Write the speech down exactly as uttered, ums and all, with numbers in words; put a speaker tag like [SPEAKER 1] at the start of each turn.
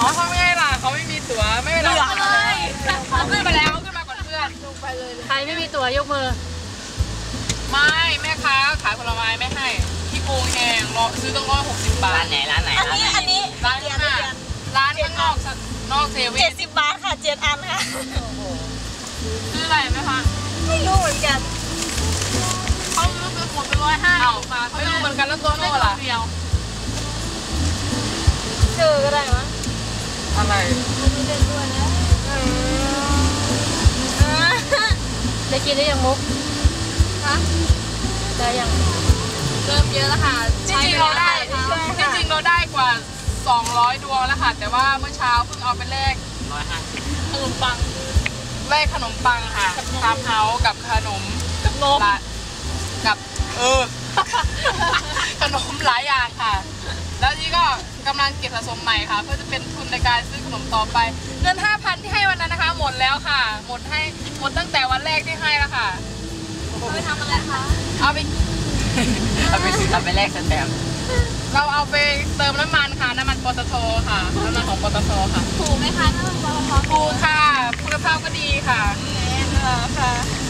[SPEAKER 1] อ๋อเขาไม่ให้ล่ะเขาไม่มีตั๋วไม่เป็นไรเลยเขาขึ้นมาแล้วขึ้นมาก่อนเพื่อนลงไปเลย
[SPEAKER 2] ใครไม่มีตั๋วยกมือ
[SPEAKER 1] ไม่แม่ค้าขายผลไม้ไม่ให้ที่โกงแหงรอซื้อต้องร้อยหกสิบบาท
[SPEAKER 3] ร้านไหนร้านไหน
[SPEAKER 4] อันนี้อันนี้
[SPEAKER 1] ร้านนี้ร้านข้างนอกนอกเซเว่น
[SPEAKER 4] เจ็ดสิบบาทค่ะเจ็ดอันค่ะ
[SPEAKER 1] ซื้ออะไรไหมคะ
[SPEAKER 4] ไม่รู้เหมือนกัน
[SPEAKER 2] เขาซื้อซื้อหมดไปร้อยห้าสิบบาท
[SPEAKER 1] ไม่รู้เหมือนกันแล้วตัวโน่ล่ะ
[SPEAKER 2] เดียว
[SPEAKER 4] เจอก็ได้มั้ง
[SPEAKER 1] อะไร
[SPEAKER 4] มีเล่นด้วยนะ
[SPEAKER 2] ได้กินได้ยังมุก
[SPEAKER 4] ฮะ
[SPEAKER 2] ได้ยัง
[SPEAKER 4] เริ่มเยอะแล้วค่ะ
[SPEAKER 1] จริงๆเราได้จริงๆเราได้กว่าสองร้อยดวงแล้วค่ะ แต่ว่าเมื่อเช้าเพิ่งเอาไปแลก
[SPEAKER 3] ร้อยห้าสิบ
[SPEAKER 2] ขนมปัง
[SPEAKER 1] แลกขนมปังค่ะทามเฮาส์กับขนม
[SPEAKER 2] กับนม
[SPEAKER 1] ละกับเออ ขนมหลายอย่างค่ะ แล้วนี่ก็กำลังเก็บสะสมใหม่ค่ะ เพื่อจะเป็นทุนในการซื้อขนมต่อไปเงินห้าพันที่ให้วันนั้นนะคะ หมดแล้วค่ะ หมดให้หมดตั้งแต่วันแรกที่ให้แล้วค่ะ
[SPEAKER 4] เอาไปทำอะไรคะ
[SPEAKER 1] เอาไป
[SPEAKER 3] เอาไปซื้อเอาไปแลกสแตมป์
[SPEAKER 1] เราเอาไปเติมน้ำมันค่ะน้ำมันปตทค่ะน้ำมันของปตทค่ะ
[SPEAKER 4] ถูกไหมคะน้ำมันปตท
[SPEAKER 1] ถูกค่ะคุณภาพก็ดีค่ะ
[SPEAKER 4] แน่นอนค่ะ